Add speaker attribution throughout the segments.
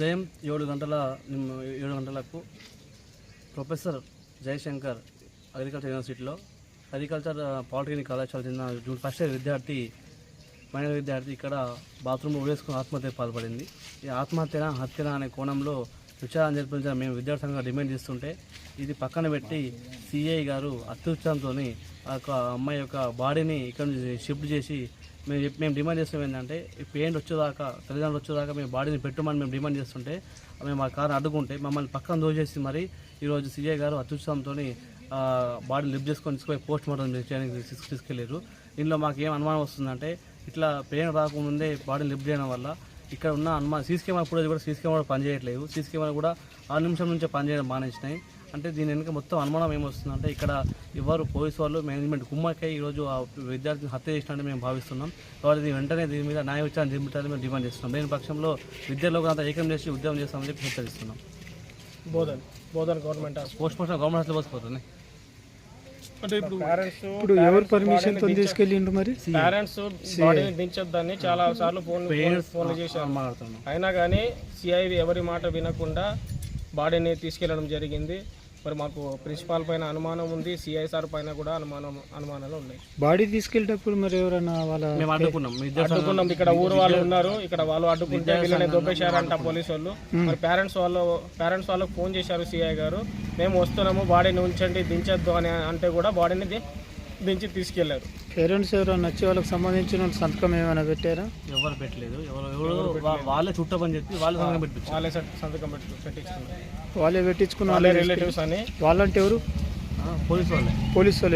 Speaker 1: ఉదయం 7 గంటలకు professor Jayashankar agriculture యూనివర్సిటీలో అగ్రికల్చర్ పాలిటెక్నిక్ కళాశాల చెందిన ఫస్ట్ ఇయర్ మైనర్ విద్యార్థి ఇక్కడ బాత్రూంలో ఉరేసుకుని ఆత్మహత్యకు పాల్పడింది. ఈ హత్యనా అనే కోణంలో విచారణ జరిపించాలని మేము విద్యార్థులుగా డిమాండ్ చేస్తుంటే ఇది పక్కన పెట్టి సిఐ గారు అత్యుత్సాహంతో ఆ యొక్క అమ్మాయి యొక్క బాడీని ఇక్కడ నుంచి షిఫ్ట్ చేసి మేము డిమాండ్ చేస్తాం ఏంటంటే పేరెంట్ వచ్చేదాకా తల్లిదండ్రులు వచ్చేదాకా మేము బాడీని పెట్టమని మేము డిమాండ్ చేస్తుంటే మేము ఆ కారు అడ్డుకుంటే మమ్మల్ని పక్కన దోచేసి మరి ఈరోజు సిఐ గారు అత్యుత్సాహంతో బాడీని లిఫ్ట్ చేసుకొని తీసుకుపోయి పోస్ట్ మార్టం చేయడానికి తీసుకెళ్ళారు. దీనిలో మాకు ఏం అనుమానం వస్తుందంటే ఇట్లా పేరెంట్ రాకముందే బాడీని లిఫ్ట్ చేయడం వల్ల ఇక్కడ ఉన్న అనుమానం సీసీ కెమెరా ఫుటేజ్ కూడా సీసీ కెమెరా పనిచేయట్లేదు. సీసీ కెమెరా కూడా 6 నిమిషం నుంచే పనిచేయడం మానేసినాయి. అంటే దీని వెనుక మొత్తం అనుమానం ఏమొస్తుందంటే ఇక్కడ ఎవరు పోలీసు వాళ్ళు మేనేజ్మెంట్ కుమ్మక్కై ఈరోజు ఆ విద్యార్థిని హత్య చేసినట్టు మేము భావిస్తున్నాం. కాబట్టి వెంటనే దీని మీద న్యాయ విచారణ జరిపించాలని మేము డిమాండ్ చేస్తున్నాం. లేని పక్షంలో విద్యార్థులకు అంతా ఏకం చేసి ఉద్యమం చేస్తామని చెప్పి హెచ్చరిస్తున్నాం.
Speaker 2: Bodhan government
Speaker 1: postmortem government hospital పోసిపోతుంది.
Speaker 2: అంటే
Speaker 3: ఇప్పుడు ఎవరు పర్మిషన్ తో తీసుకెళ్ళిండ్రు? మరి
Speaker 2: పేరెంట్స్ బాడీని దించొద్దని చాలా సార్లు ఫోన్లు చేశారు. అయినా కానీ సిఐ ఎవరి మాట వినకుండా బాడీని తీసుకెళ్లడం జరిగింది. మరి మాకు ప్రిన్సిపాల్ పైన అనుమానం ఉంది, సిఐ సార్ పైన కూడా అనుమానాలు ఉన్నాయి.
Speaker 3: బాడీ తీసుకెళ్ళేటప్పుడు మరి ఎవరైనా
Speaker 1: మేము
Speaker 2: అడ్డుకున్నాం. ఇక్కడ ఊరు వాళ్ళు ఉన్నారు, ఇక్కడ వాళ్ళు అడ్డుకుంటే వీళ్ళని దొబ్బేశారంట పోలీసు వాళ్ళు. మరి పేరెంట్స్ వాళ్ళకు ఫోన్ చేశారు సిఐ గారు, మేము వస్తున్నాము బాడీని ఉంచండి దించొద్దు అని అంటే కూడా బాడీని దించి తీసుకెళ్లారు.
Speaker 3: పేరెంట్స్ ఎవరైనా వచ్చి వాళ్ళకి సంబంధించిన సంతకం ఏమైనా పెట్టారా?
Speaker 1: ఎవరు పెట్టలేదు. వాళ్ళే చుట్టమని చెప్పి వాళ్ళే
Speaker 2: సంతకం పెట్టించుకున్నారు.
Speaker 3: వాళ్ళే పెట్టించుకున్న
Speaker 2: వాళ్ళే రిలేటివ్స్ అని.
Speaker 3: వాళ్ళంటే ఎవరు? పోలీసు వాళ్ళే.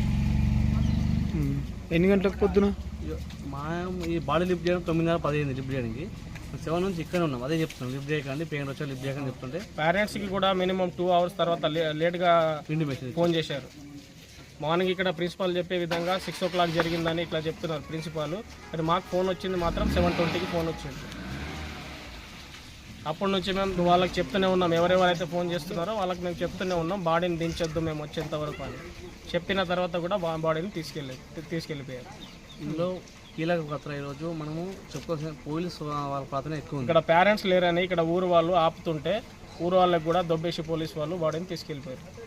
Speaker 3: ఎన్ని గంటలకు పొద్దున?
Speaker 1: ఈ బాడీ లిఫ్ట్ చేయడం 9:15 లిఫ్ట్ చేయడానికి 7 నుంచి ఇక్కడే ఉన్నాం. అదే చెప్తున్నాం, లిఫ్ట్ చేయకండి, పేరెంట్ వచ్చా లిఫ్ట్ చేయకండి చెప్తుంటే
Speaker 2: పేరెంట్స్కి కూడా మినిమం 2 hours తర్వాత లేట్గా ఫోన్ చేశారు. మార్నింగ్ ఇక్కడ ప్రిన్సిపాల్ చెప్పే విధంగా 6 o'clock జరిగిందని ఇట్లా చెప్తున్నారు ప్రిన్సిపాల్. అది మాకు ఫోన్ వచ్చింది మాత్రం 7:20కి ఫోన్ వచ్చింది. అప్పటి నుంచి మేము వాళ్ళకి చెప్తూనే ఉన్నాం, ఎవరెవరైతే ఫోన్ చేస్తున్నారో వాళ్ళకి మేము చెప్తూనే ఉన్నాం బాడీని దించొద్దు మేము వచ్చేంత వరకు అని. చెప్పిన తర్వాత కూడా బాడీని తీసుకెళ్ళిపోయారు.
Speaker 1: ఇందులో కీలక పాత్ర ఈరోజు మనము చెప్పుకోవాల్సిన పోలీసు వాళ్ళ పాత్ర ఎక్కువ.
Speaker 2: ఇక్కడ పేరెంట్స్ లేరని ఇక్కడ ఊరు వాళ్ళు ఆపుతుంటే ఊరు వాళ్ళకి కూడా దొబ్బేసి పోలీసు వాళ్ళు బాడీని తీసుకెళ్ళిపోయారు.